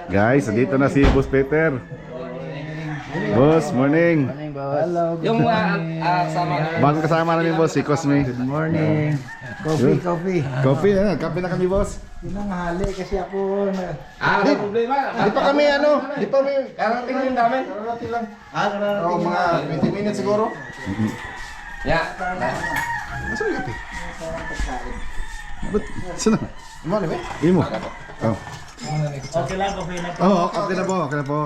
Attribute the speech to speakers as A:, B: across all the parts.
A: Guys, dito na si Boss Peter. Boss, morning.
B: Hello,
C: Yung kasama
A: Bagong kasama namin, boss, si Cosme.
B: good morning. Coffee.
A: Coffee, kape na kami, boss.
B: Pinanghali kasi ako
C: wala problema.
A: Di pa kami di pa kami.
C: Karating din namin.
B: kararating lang.
A: Oo, mga 20 minutes siguro.
C: Yeah.
A: Asa yung kape? Ba't, saan na?
B: Mo na ba?
A: Imo. Oh.
B: Okay lang, coffee na.
A: Oo, okay na po, okay na po.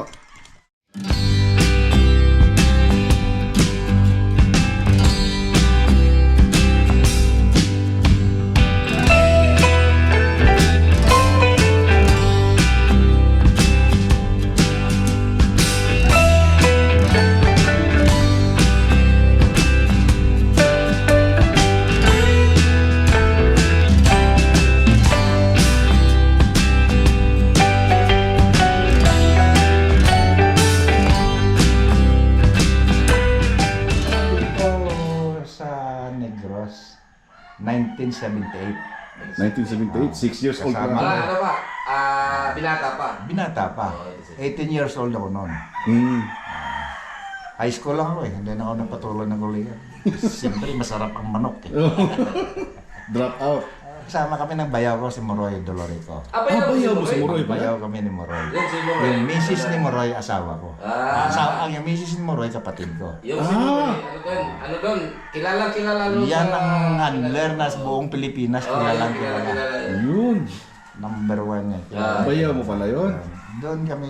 B: Dito sa Negros, 1978.
A: 1978, 6 years old
B: Kasama.
A: pa.
C: Ano pa? Binata pa.
B: Binata pa. 18 years old ako noon.
A: Hmm.
B: High school lang ako eh. Hindi na ako napatuloy ng kulihan. Siyempre, masarap ang manok eh.
A: Drop out.
B: Kasama kami ng bayaw ko, si Moroy Dolorico.
A: bayaw mo si Moroy ba?
B: Bayaw kami ni Moroy.
C: Yung si Moroy.
B: Yung misis ni Moroy, asawa ko. Yung misis ni Moroy, kapatid ko.
C: Yung si Moroy. Ano doon? Kilala doon
B: Yan ang handler na sa buong Pilipinas, kilalang kilala.
A: Yun.
B: Number 1 yan. Kilala.
A: Bayaw mo pala yun.
B: Doon kami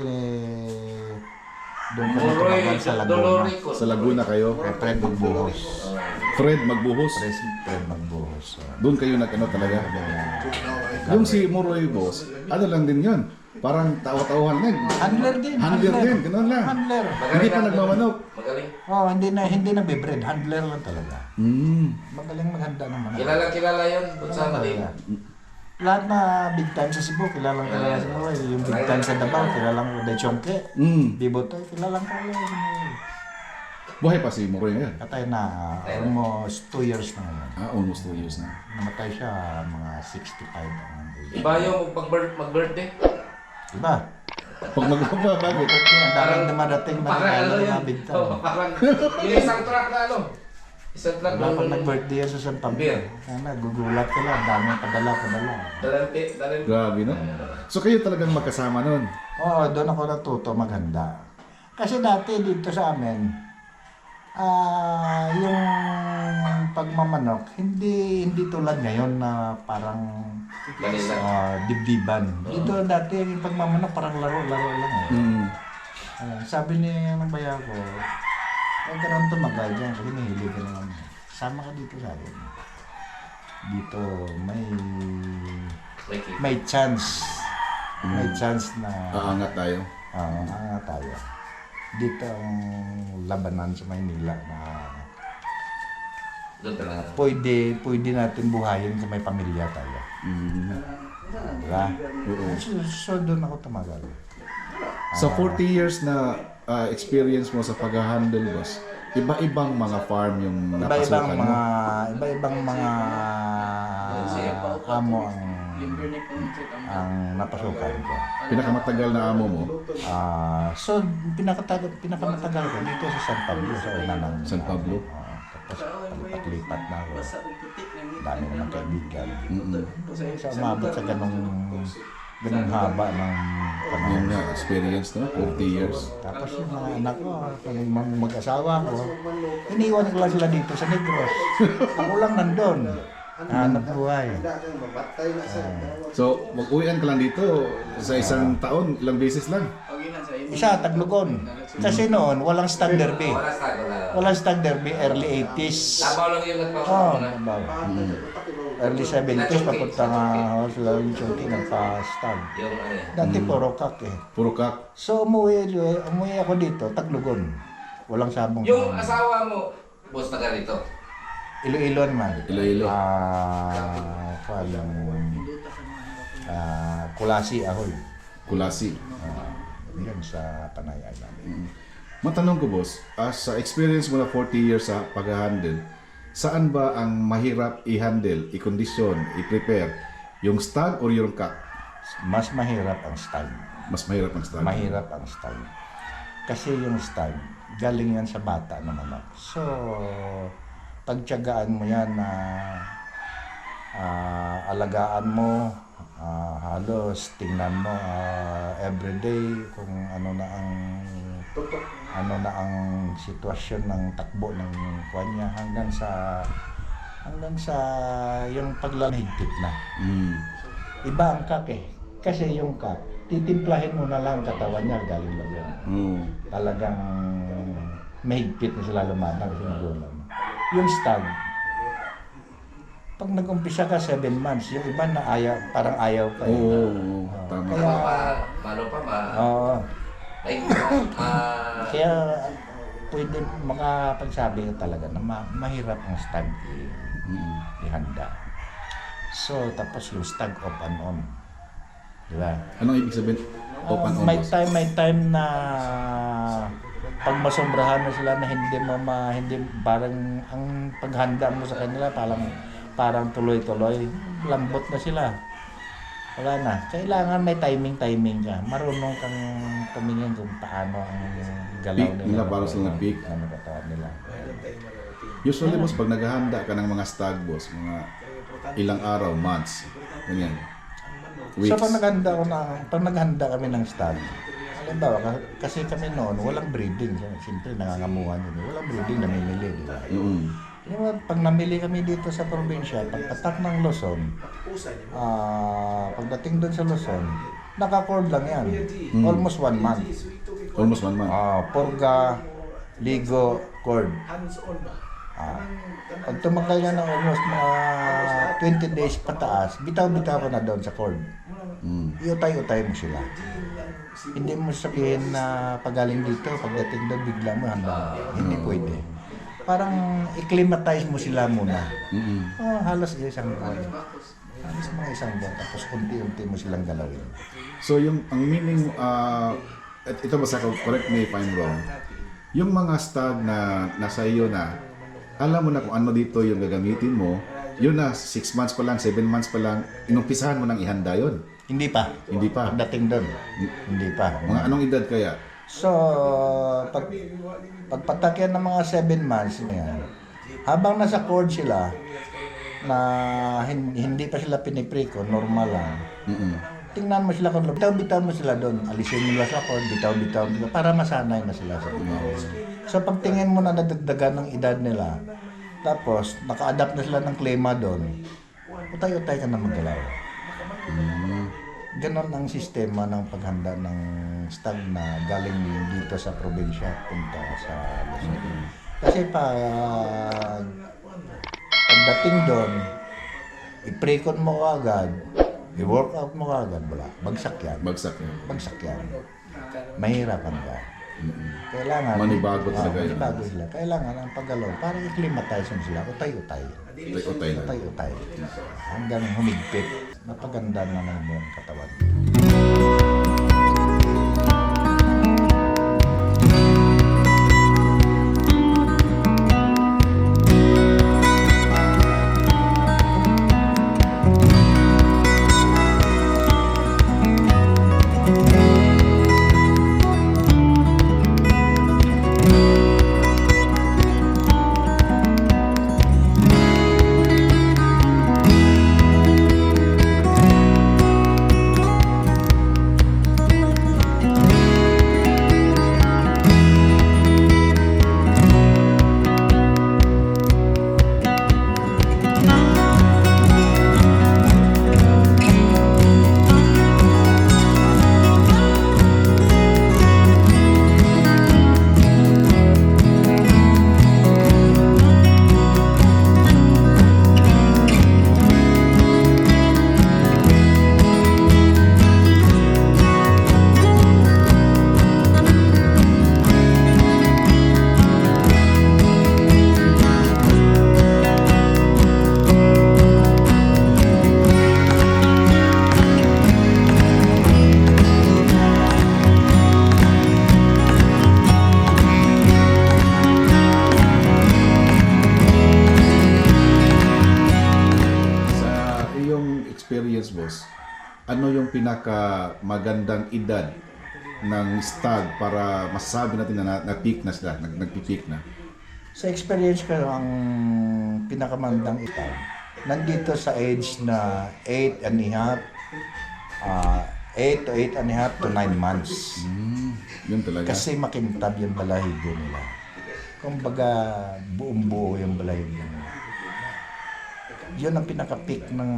C: Moroy
B: tumagal sa Laguna.
C: Dolorico.
A: Sa Laguna kayo.
B: Kay Fred Magbuhos.
A: Fred Magbuhos.
B: Fred Magbuhos.
A: Doon kayo nag-ano talaga. Yung si Moroy, boss, ano lang din yun. Parang tawa-tawahan lang.
B: Handler din.
A: Handler din, ganun lang.
B: Handler.
A: Hindi pa nagmamanok.
C: Magaling.
B: Oh, hindi na bibred. Handler lang talaga. Magaling maghanda naman.
C: Kilala yun. Kung saan na rin.
B: Lahat na big time sa Cebu, kilalang kilala si Moroy. Yung big time sa Davao, kilalang De Chongke. Bibotoy, kilalang kilala si Moroy.
A: Buhay pa si Moroy ngayon.
B: Katay na almost 2 years na ngayon.
A: Almost 2 years na.
B: Namatay siya mga 65 ang age.
C: Iba yung mag-birthday.
B: Diba?
A: Pag magpapa, bakit?
B: Ang daming dumadating na
C: Parang ano
B: kilala
C: yun?
B: na big time.
C: Parang yung isang truck na ano. Isang truck
B: Wala pag
C: na
B: nag-birthday yan sa San Pablo.
C: Beer.
B: Kaya gugulat ka lang, daming padala.
C: Dalante.
A: Grabe, no? So kayo talagang magkasama nun?
B: Oo, doon ako natuto maghanda. Kasi dati dito sa amin, yung pagmamanok, hindi tulad ngayon na parang dibdiban. Dito dati yung pagmamanok parang laro-laro lang eh. Sabi niya ng bayaw ko, huwag ka naman tumagal dyan kasi nahilig ka naman. Sama ka dito sa akin. Dito may chance. May chance na
A: Aangat tayo.
B: tayo. Dito ang labanan sa Maynila na
C: Doon talaga.
B: pwede natin buhayin kung may pamilya tayo. Diba? So doon ako tumagal.
A: Sa 40 years na experience mo sa pag-handle, boss, iba-ibang mga farm yung napasukan mo.
B: Iba-ibang mga amo ang napasukan ko.
A: Pinakamatagal na amo mo,
B: So pinakamatagal ko dito sa San Pablo sa una ng
A: San Pablo.
B: Tapos palipat na ako. Dami naman kaibigan. So umabot sa ganung haba ng
A: Yung
B: panahon.
A: experience, no? 40 years.
B: Tapos yung mga anak ko, yung mag-asawa ko, iniwan ko lang sila dito sa Negros. Ako lang nandun. Hanap buhay.
A: So, mag-uwian ka lang dito sa isang taon, ilang beses lang.
B: Isa, Taglugon. Kasi noon, walang Stag Derby.
C: Wala sa wala.
B: Walang Stag Derby, early 80s.
C: Labaw lang yung
B: Oo,
C: nagpapakuna.
B: early 70s, papunta nga sila yung chunky nagpa-stag.
C: Yung ano eh.
B: Dati puro kak eh.
A: Puro kak.
B: So umuwi ako dito, Taglugon. Walang sabong.
C: Yung asawa mo, boss na ganito.
B: Iloilo naman.
A: Iloilo.
B: Kulasi Ahoy.
A: Kulasi.
B: Yan sa Panay Island.
A: Matanong ko, boss, sa experience mo na 40 years sa pag-handle, saan ba ang mahirap i-handle, i-condition, i-prepare? Yung stag or yung kak?
B: Mas mahirap ang stag.
A: Mas mahirap ang stag.
B: Mahirap ang stag. Kasi yung stag, galing yan sa bata na manok. So, pagtiyagaan mo yan na alagaan mo, halos tingnan mo everyday kung ano na ang sitwasyon ng takbo ng kanya hanggang sa yung paglalahigpit na. Iba ang kak eh. Kasi yung kak, titimplahin mo na lang katawan niya galing lang. Talagang mahigpit na sila lumanang kasi nagulang. Yung stag, pag nag-umpisa ka 7 months, yung iba na parang ayaw pa.
A: Oo, tama.
B: Oo. Kaya pwede makapagsabi ka talaga na mahirap ang stag ihanda. So, tapos yung stag off and on. Diba?
A: Anong ibig sabihin? Open on,
B: May
A: boss?
B: time na pag masombrahan mo sila na hindi parang ang paghanda mo sa kanila parang tuloy-tuloy, lambot na sila. Wala na. Kailangan may timing ka. Marunong kang tumingin kung paano ang galaw
A: Peak
B: nila.
A: nila, para silang peak.
B: Ano katawan nila.
A: Usually, boss, pag naghahanda ka ng mga stag, boss, mga ilang araw, months, ganyan. Weeks.
B: So pag naghanda kami ng stag, halimbawa, kasi kami noon, walang breeding. Siyempre, nangangamuhan yun. Walang breeding, namimili. Diba? Pag namili kami dito sa probinsya, pagpatak ng Luzon, pagdating doon sa Luzon, naka-cord lang yan. Almost 1 month.
A: Almost 1 month.
B: Purga, ligo, cord. Pag tumakal yan ng almost mga 20 days pataas, bitaw-bitaw ko na doon sa cord. Iutay-utay mo sila. Hindi mo sabihin na pagaling dito, pagdating doon, bigla mo handa. Hindi pwede. Parang i-climatize mo sila muna. Halos isang buwan. Halos mga isang buwan. Tapos unti-unti mo silang galawin.
A: So, ang meaning, ito basta, correct me if I'm wrong, yung mga stag na nasa iyo na, alam mo na kung ano dito yung gagamitin mo, yun na, 6 months pa lang, 7 months pa lang, inumpisahan mo nang ihanda yun.
B: Hindi pa.
A: Hindi pa.
B: Pagdating doon, hindi pa.
A: Mga anong edad kaya?
B: So, pagpatakyan ng mga 7 months, yan, habang nasa cord sila, na hindi pa sila pinipriko, normal lang. Tingnan mo sila kung bitaw-bitaw mo sila doon, alisin nila sa cord, bitaw-bitaw nila, para masanay na sila sa So, pagtingin mo na nadagdagan ng edad nila, tapos naka-adapt na sila ng klima doon, utay-utay ka na maggalaw. Ganon ang sistema ng paghanda ng stag na galing dito sa probinsya punta sa Luzon. Kasi pagdating doon, i-precon mo agad, i-workout mo agad, wala. Bagsak yan.
A: Bagsak yan.
B: Bagsak yan. Mahirapan ka. Kailangan
A: Manibago talaga yun.
B: Manibago sila. Kailangan ang paggalaw para i-climatize mo sila. Utay-utay.
A: Utay na.
B: Utay-utay. Hanggang humigpit. Napaganda na ng iyong katawan.
A: ano yung pinaka magandang edad ng stag para masasabi natin na na-peak na sila, nagpi-peak na?
B: Sa experience ko, ang pinakamandang ito, nandito sa age na 8 and a half, 8 to 8 and a half to 9 months.
A: Yun talaga.
B: Kasi makintab yung balahibo nila. Kumbaga, buong-buo yung balahibo nila. Yun ang pinaka-peak ng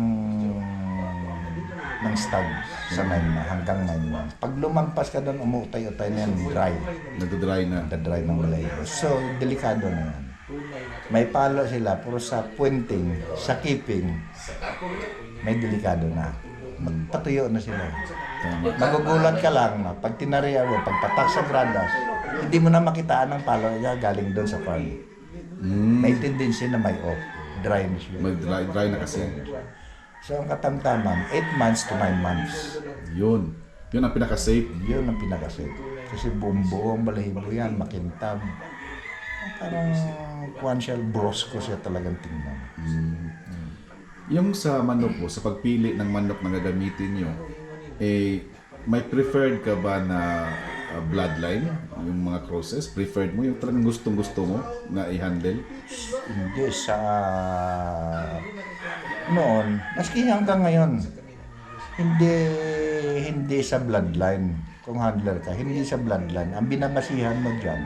B: stag sa 9 na, hanggang 9 months. Pag lumampas ka doon, umutay-utay na yan, dry.
A: Nagdodry na.
B: Nagda-dry ng balahibo. So, delikado na yan. May palo sila, pero sa pointing, sa keeping, may delikado na. Magpatuyo na sila. Magugulat ka lang na pag tinariya mo, pagpatak sa gradas, hindi mo na makitaan ng palo niya galing doon sa farm. May tendency na may off. Dry na siya.
A: Mag-dry na kasi.
B: So, ang katamtaman, 8 months to 9 months.
A: Yun. Yun ang pinaka-safe.
B: Yun ang pinakasit. Kasi buong balahibo yan, makintab. Parang quantial brosco siya talagang tingnan.
A: Yung sa manok po, sa pagpili ng manok na gagamitin nyo, may preferred ka ba na bloodline? Yung mga crosses? Preferred mo? Yung talagang gustong-gusto mo na i-handle?
B: Hindi sa noon, maski hanggang ngayon, hindi sa bloodline. Kung handler ka, hindi sa bloodline. Ang binabasihan mo dyan,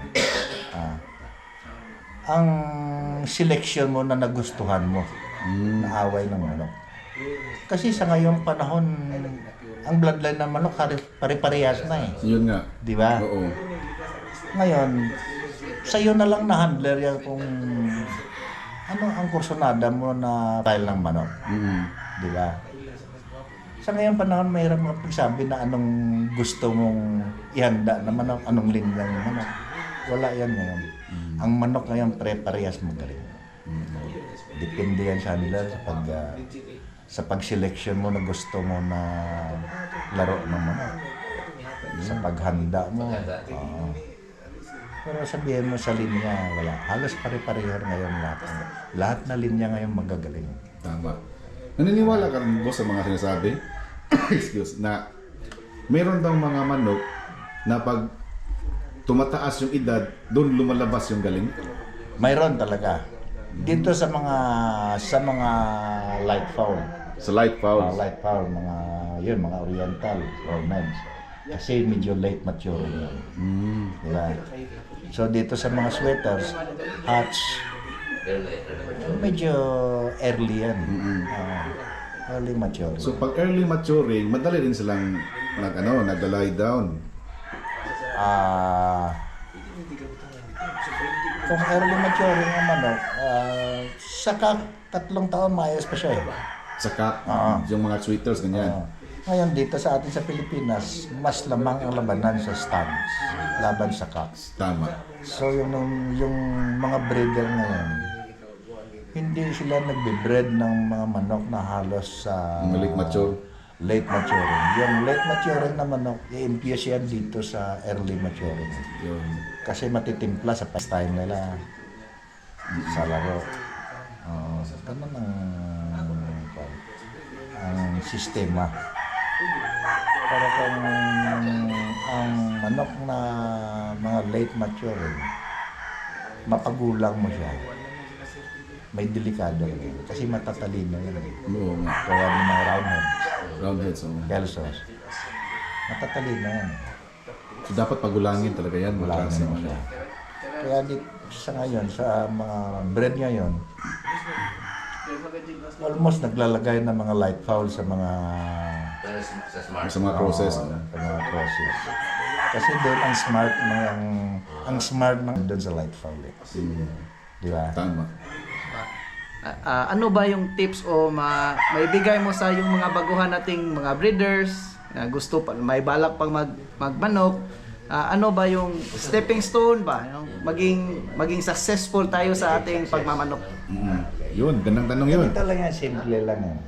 B: ang selection mo na nagustuhan mo, na away ng manok. Kasi sa ngayong panahon, ang bloodline ng manok pare-parehas na eh.
A: Yun nga.
B: Di ba?
A: Oo.
B: Ngayon, sa'yo na lang na handler yan kung ano ang kursonada mo na style ng manok. Di ba? Sa ngayong panahon, mayroon mga pagsabi na anong gusto mong ihanda na manok, anong linya ng manok. Wala yan ngayon. Ang manok ngayon, pre-parehas magaling. Depende yan sa handler sa pag-selection mo na gusto mo na laro ng manok. Sa paghanda mo. Pero sabihin mo sa linya, wala. Halos pare-pareho ngayon lahat. Lahat na linya ngayon magagaling.
A: Tama. Naniniwala ka rin, boss, sa mga sinasabi? Excuse, na meron daw mga manok na pag tumataas yung edad, doon lumalabas yung galing?
B: Mayroon talaga. Dito sa mga light fowl.
A: Sa light fowls?
B: Light fowl, mga oriental or meds. Kasi medyo late maturing yan. Diba? So dito sa mga sweaters, hatch, medyo early yan. Early maturing.
A: So pag early maturing, madali din silang nag-lie down.
B: Kung early maturing ang manok, saka 3 taon maayos pa siya eh.
A: Saka, yung mga sweaters, ganyan.
B: Ngayon dito sa atin sa Pilipinas, mas lamang ang labanan sa stags, laban sa cocks.
A: Tama.
B: So yung mga breeder ngayon, hindi sila nagbe-breed ng mga manok na halos sa
A: Late mature.
B: late maturing. Yung late maturing na manok, i-infuse yan dito sa early maturing.
A: Yun.
B: Kasi matitimpla sa pastime nila sa laro. Ganun ang sistema. Pero kung ang manok na mga late maturing, mapagulang mo siya, may delikado rin. Kasi matatalino yan.
A: Oo nga.
B: Kaya ng mga roundheads,
A: Roundheads.
B: kelsos, matatalino yan.
A: So dapat pagulangin talaga yan.
B: Wala
A: Magkasi
B: naman siya. Kaya sa ngayon, sa mga breed ngayon, almost naglalagay ng mga light fowl sa mga
C: Sa smart.
A: Sa mga process.
B: sa mga crosses. Kasi doon ang smart ng doon sa light fowl. Di ba?
A: Tama.
D: Ano ba yung tips o maibigay mo sa yung mga baguhan nating mga breeders gusto pa may balak pang magmanok, ano ba yung stepping stone ba yung maging successful tayo sa ating pagmamanok?
A: Yun, gandang tanong yun.
B: Ito lang yan, simple lang yan.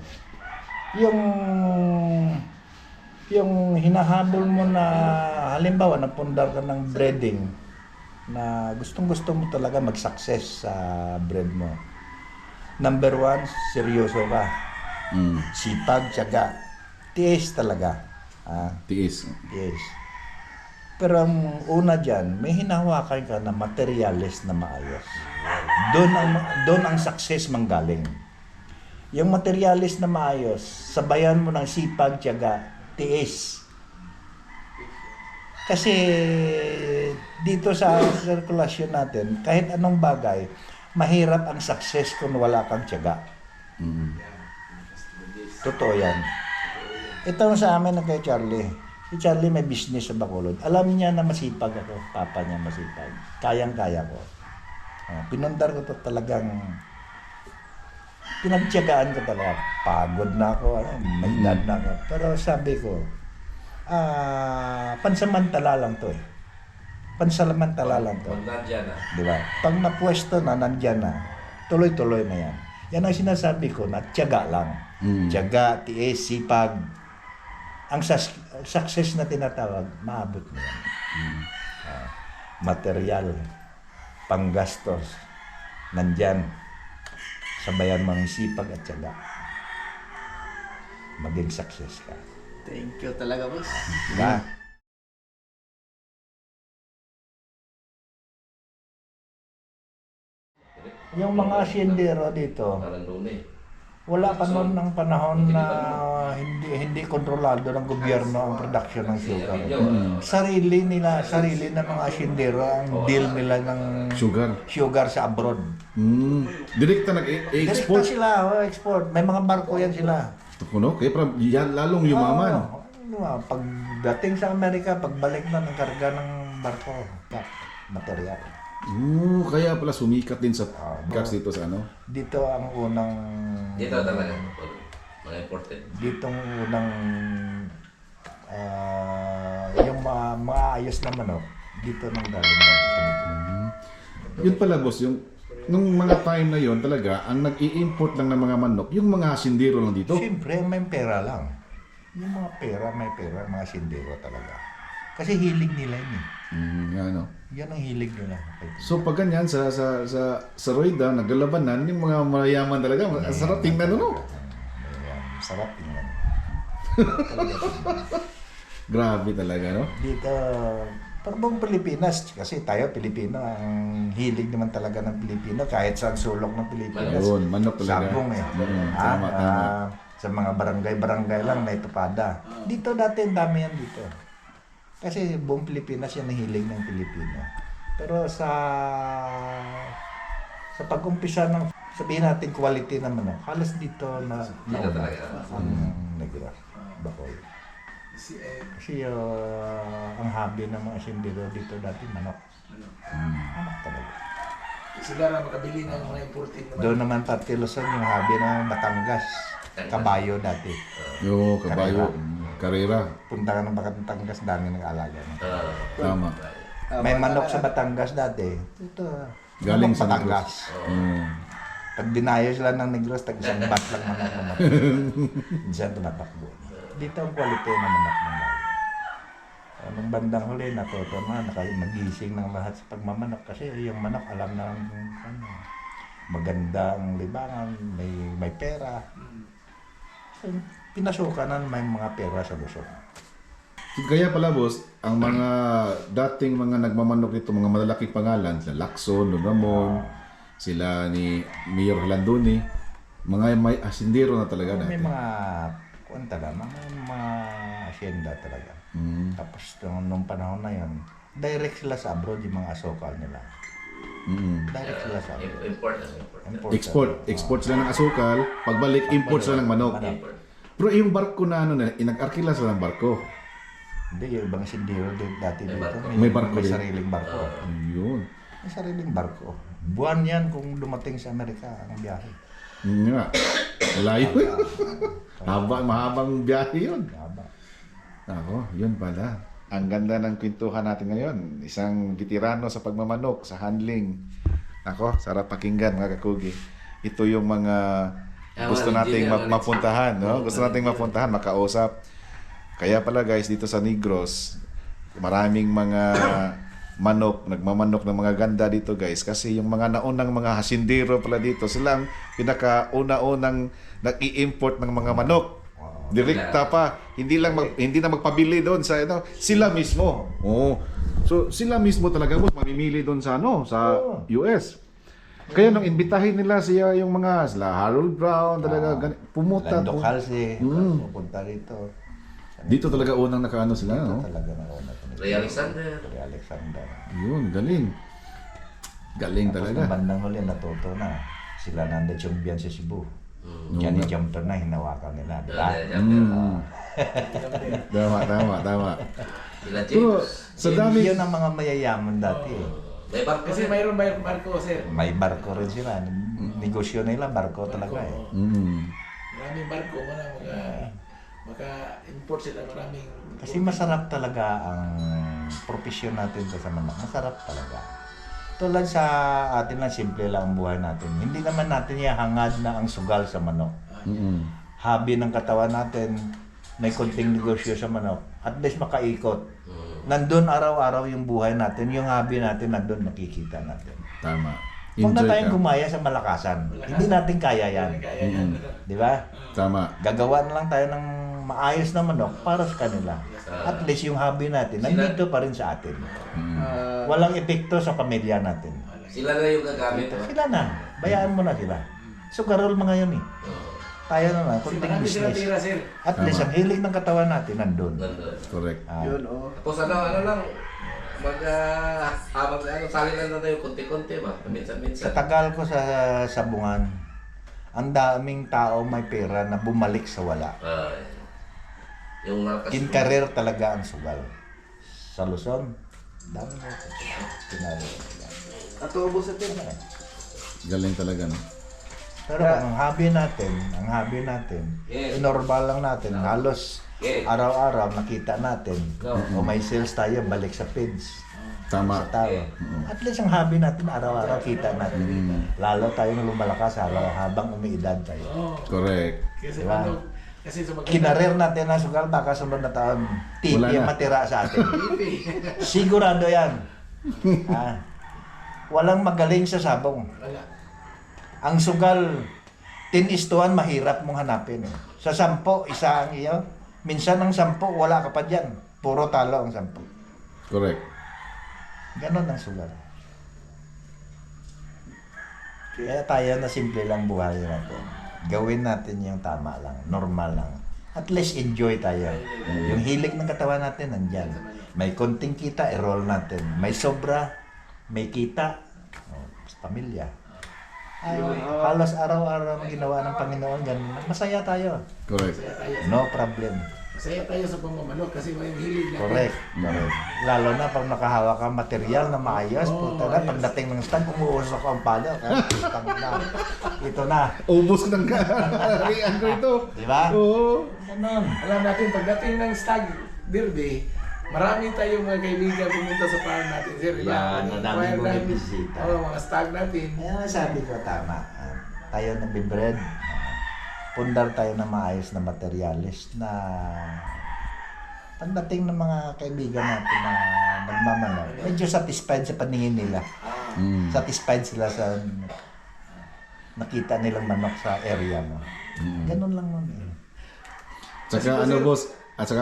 B: Yung hinahabol mo na halimbawa napundar ka ng breeding na gustong-gusto mo talaga mag-success sa breed mo. Number 1, seryoso ka. Sipag, tiyaga. tiis talaga.
A: Tiis.
B: Yes. Pero ang una dyan, may hinahawakan ka na materialis na maayos. Doon ang success manggaling. Yung materialis na maayos, sabayan mo ng sipag, tiyaga, tiis. Kasi dito sa sirkulasyon natin, kahit anong bagay, mahirap ang success kung wala kang tiyaga. Totoo yan. Ito sa amin na kay Charlie. Si Charlie may business sa Bacolod. Alam niya na masipag ako. Papa niya masipag. Kayang-kaya ko. Pinundar ko to talagang pinagtiyagaan ko talaga. Pagod na ako. May edad na ako. Pero sabi ko, pansamantala lang to eh. Pansamantala lang to.
C: Nandiyan na.
B: Di ba? Pag napwesto na, nandyan na. Tuloy-tuloy na yan. Yan ang sinasabi ko na tiyaga lang. Tiyaga, tiis, sipag. Ang success na tinatawag, maabot mo yan. Material, panggastos, nandyan. Sabayan mo ang sipag at tiyaga. Maging success ka.
D: Thank you talaga, boss.
B: Diba? Yung mga asyendero dito,
C: Parang doon eh.
B: wala pa noon ng panahon na hindi kontrolado ng gobyerno ang production ng sugar. Sarili ng mga asyendero ang deal nila ng
A: Sugar.
B: sa abroad.
A: Direkta
B: Direkta
A: nag-export.
B: sila, export. May mga barko yan sila.
A: Kuno, kaya yan lalong yumaman.
B: Pagdating sa Amerika, pagbalik na ng karga ng barko, material.
A: Kaya pala sumikat din sa gas dito sa ano.
B: Dito ang unang...
C: Dito talaga. Mga important.
B: Dito ang unang... yung mga ayos na manok, dito nang galing na.
A: Yun pala boss, yung nung mga time na yon talaga, ang nag-i-import lang ng mga manok, yung mga sindiro lang dito.
B: Siyempre, may pera lang. Yung mga pera, may pera, mga sindero talaga. Kasi hilig nila yun eh.
A: Ano.
B: Yan ang hilig nila.
A: So pag ganyan sa Roida, naglalabanan, yung mga mayayaman talaga, ang sarap tingnan no?
B: Ayan, sarap tingnan.
A: Grabe talaga, no?
B: Dito, parang Pilipinas, kasi tayo Pilipino, ang hilig naman talaga ng Pilipino, kahit sa sulok ng Pilipinas.
A: Ayun, manok talaga.
B: Sabong eh.
A: Tama.
B: Sa mga barangay lang may tupada. Dito dati ang dami yan dito. Kasi buong Pilipinas yan ang hilig ng Pilipino. Pero sa pag-umpisa ng sabihin natin quality naman, halos dito na
C: talaga.
B: ang Negros, Bacoy. Kasi ang hobby ng mga sindiro dito dati manok. Manok talaga.
E: Sila makabili ng mga imported naman.
B: Doon naman pati Luzon yung hobby ng Batangas. Kabayo dati.
A: Yo, kabayo. Karera.
B: Punta ka ng Batangas, dami nag-alaga.
A: Tama.
B: May manok sa Batangas dati. Ito.
A: Galing
B: manok
A: sa
B: Batangas. Pag dinayo sila ng Negros, tag-isang bat lang manok. Diyan tumatakbo. Dito ang quality ng manok ng bayo. Nung bandang huli, natuto na, magising ng lahat sa pagmamanok. Kasi yung manok, alam na ano, maganda ang libangan, may pera. So, pinasukan na may mga pera sa Luzon.
A: Kaya pala boss, ang mga dating mga nagmamanok dito, mga malalaking pangalan, sila Lacson, Ramon, sila ni Mayor Landoni, mga may asindero na talaga
B: May
A: dati.
B: mga mga asyenda talaga. Tapos nung panahon na yon, direct sila sa abroad yung mga asokal nila. Direct sila sa abroad.
C: Import.
A: Export sila ng asukal, pagbalik import sila ng manok. Pero yung barko na ano na, inag-arkila sila ng barko.
B: Hindi, yung ibang sindiro dati dito,
A: May barko
B: may
A: din.
B: sariling barko.
A: Yun.
B: May sariling barko. Buwan yan kung dumating sa Amerika ang biyahe.
A: Yun nga. Layo yun. Mahabang biyahe yun.
B: Haba.
A: Ako, yun pala. Ang ganda ng kwentuhan natin ngayon. Isang veterano sa pagmamanok, sa handling. Ako, sarap pakinggan mga kakugi. Ito yung mga gusto nating mapuntahan, no? Gusto nating mapuntahan, makausap. Kaya pala guys, dito sa Negros, maraming mga manok, nagmamanok ng mga ganda dito guys. Kasi yung mga naunang mga hasindero pala dito, silang pinakauna-unang nag-i-import ng mga manok. Direkta pa. Hindi na magpabili doon sa ano, sila mismo. Oo. So sila mismo talaga boss mamimili doon sa ano, sa US. Kaya nung imbitahin nila siya yung mga sila Harold Brown talaga pumunta
B: Lando
A: to.
B: Calce,
A: Mm.
B: pupunta rito.
A: Dito talaga unang nakaano sila,
B: Dito
A: no?
B: talaga nauna to.
C: Ray Alexander.
B: Ray Alexander.
A: Yun, galing. Galing
B: Tapos
A: talaga.
B: ng bandang huli, natuto na. Sila nanda champion sa Cebu.
A: Mm.
B: Johnny Jumper na, hinawakan nila. Diba?
A: Mm. Tama.
C: Sila
A: Pero
C: James.
A: sa dami
B: Yun ang mga mayayaman dati.
C: May barko
E: Kasi
C: sir.
E: mayroon barko, sir.
B: May barko rin sila. Negosyo nila, barko talaga eh.
E: Maraming barko, maka-import sila maraming.
B: Kasi masarap talaga ang profesyon natin sa manok. Masarap talaga. Tulad sa atin lang, simple lang ang buhay natin. Hindi naman natin ihangad na ang sugal sa manok. Hobby ng katawan natin, may konting negosyo sa manok. At least makaikot. Nandun araw-araw yung buhay natin, yung hobby natin, nandun makikita natin.
A: Tama.
B: Huwag na
A: Enjoy
B: tayong
A: ka.
B: gumaya sa malakasan. Hindi natin kaya yan.
E: Kaya yan.
B: Di ba?
A: Tama.
B: Gagawa na lang tayo ng maayos na manok para sa kanila. At least yung hobby natin, nandito pa rin sa atin. Walang epekto sa pamilya natin.
C: Sila na yung gagamit.
B: Sila na. Bayaan mo na sila. So, garol mga yun eh. Tayo na lang,
E: Kasi
B: kunting
E: marami sila tira,
B: business.
E: sir.
B: At least, ang hilig ng katawan natin, nandun.
C: Nandun.
A: Correct.
B: Ah,
D: Yun, oh.
C: Tapos ano lang, sali lang na tayo konti-konti ba?
B: sa
C: Minsan-minsan.
B: tagal ko sa sabungan, ang daming tao may pera na bumalik sa wala.
C: Yung malakas.
B: In career talaga ang sugal. Sa Luzon, dami mo. Kinarir.
D: At ubos sa tin.
A: Galing talaga, no?
B: Pero ang hobby natin,
C: Yes.
B: normal lang natin, halos
C: Yes.
B: araw-araw nakita natin.
C: No.
B: O may sales tayo, balik sa pins.
A: Tama.
B: Sa tao. At least ang hobby natin, araw-araw kita natin. Lalo tayo na lumalakas habang umiidad tayo.
A: Correct.
E: Kasi
B: Diba?
E: kasi sa maganda.
B: Kinarir natin na sugal, baka sunod na taon, TV
A: Wala
B: ang
A: na.
B: matira sa atin. Sigurado yan. Walang magaling sa sabong.
E: Wala.
B: Ang sugal, 10:1, mahirap mong hanapin. Sa 10, isa ang iyo. Minsan ang 10, wala ka pa dyan. Puro talo ang 10.
A: Correct.
B: Ganon ang sugal. Kaya tayo na simple lang buhay natin. Gawin natin yung tama lang, normal lang. At least enjoy tayo. Yung hilig ng katawan natin, nandyan. May konting kita, i-roll natin. May sobra, may kita, sa pamilya. Ay, halos araw-araw ang ginawa ng Panginoon, ganun. Masaya tayo.
A: Correct.
B: No problem.
E: Masaya tayo sa pamamanok kasi may hilig natin.
B: Correct. Correct. Lalo na pag nakahawak ka material na maayos, puta na, pagdating ng stand, umuusok ang pala. Stang na. Ito na.
A: Ubus ng kariyan ko ito.
B: Di ba?
A: Oo.
B: Ganon.
E: Alam natin, pagdating ng stag derby, marami tayong mga kaibigan pumunta sa farm natin, sir. Diba?
B: Yan, ang dami
E: Choir
B: mong
E: natin.
B: bibisita.
E: Oo, mga stag natin.
B: Kaya nga sabi ko, tama. Tayo nabibred. Pundar tayo ng maayos na materialist na pagdating ng mga kaibigan natin na nagmamanaw, medyo satisfied sa paningin nila. Satisfied sila sa nakita nilang manok sa area mo. Ganun lang nun eh.
A: Saka ano boss,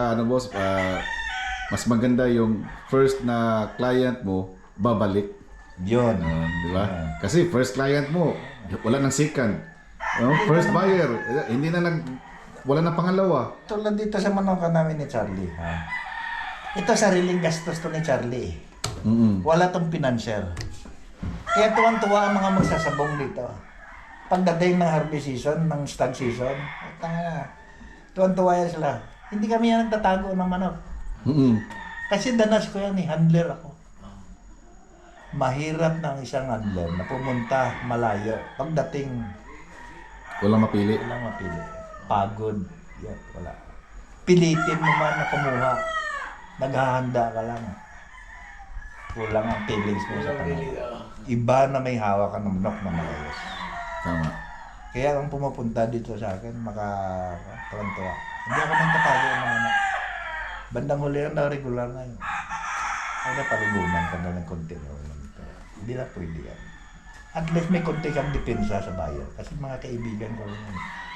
A: mas maganda yung first na client mo babalik.
B: Yun.
A: Di ba? Kasi first client mo, wala nang second. First buyer, wala nang pangalawa.
B: Tulad dito sa manoka namin ni Charlie. Ha? Ito sariling gastos to ni Charlie. Wala tong financier. Kaya tuwang-tuwa ang mga magsasabong dito. Pagdating ng harvest season, ng stag season, tuwang-tuwa yan sila. Hindi kami yan nagtatago ng manok. Kasi danas ko yan, handler ako. Mahirap ng isang handler na pumunta malayo. Pagdating,
A: Walang mapili.
B: walang mapili. Pagod. Yan, wala. Pilitin mo man na kumuha. Naghahanda ka lang. Kulang ang feelings mo sa panahon. Iba na may hawak ka ng manok na malayos.
A: Tama.
B: Kaya ang pumupunta dito sa akin, tuwan-tuwa. Hindi ako nang tatago ng manok. Bandang huli na regular na yun. Ay, palugunan ka na ng konti. Hindi na pwede yan. At least may konti kang depensa sa bayan. Kasi mga kaibigan ko rin yun.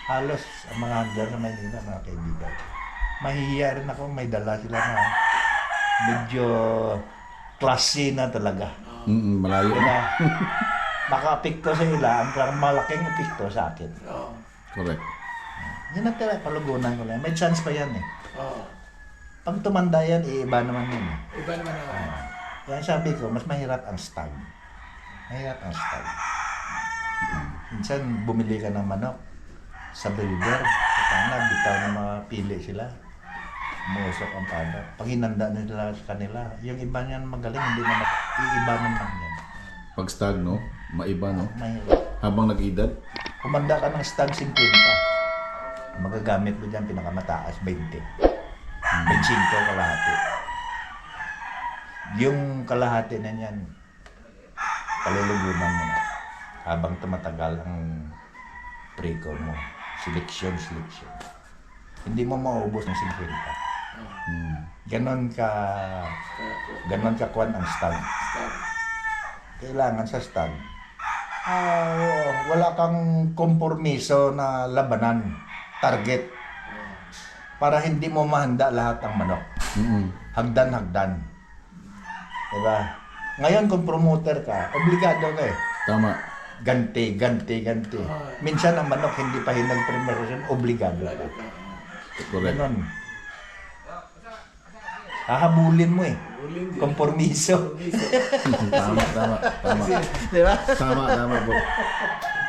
B: halos ang mga handler na Maynila, mga kaibigan. Mahihiya rin ako, may dala sila na medyo classy na talaga.
A: Malayo na.
B: Kaya maka-apekto sa ila, ang malaking apekto sa akin.
E: Oo.
A: Correct.
B: Yan ang tira, palugunan ko lang. May chance pa yan eh.
E: Oo.
B: Pag tumanda yan, iiba naman yun eh.
E: Iba naman ako.
B: Kaya sabi ko, mas mahirap ang stag. Mahirap ang stag. Minsan, bumili ka ng manok sa breeder. Sana, bitaw na mapili sila. Muusok ang pada. Pag hinanda nila sa kanila, yung iba niyan magaling, hindi naman, iiba naman yan.
A: Pag stag, no? Maiba, no?
B: Mahirap.
A: Habang nag-edad,
B: Kumanda ka ng stag 50. Magagamit mo dyan, pinakamataas, 20. 25 kalahati. Yung kalahati na yan, palulugunan mo na. Habang tumatagal ang pre-call mo. Selection. Hindi mo maubos ng 50. Ganon ka kuwan ang stag. Kailangan sa stag. Wala kang kompromiso na labanan, target. Para hindi mo mahanda lahat ng manok. Hagdan. Diba? Ngayon kung promoter ka, obligado ka eh.
A: tama.
B: Ganti. Minsan ang manok hindi pa hinag-preparation, obligado ka.
A: Correct.
B: Ganon. Hahabulin mo eh.
E: Uling din.
B: Kompromiso.
A: Tama.
D: Di ba?
A: Tama, bro.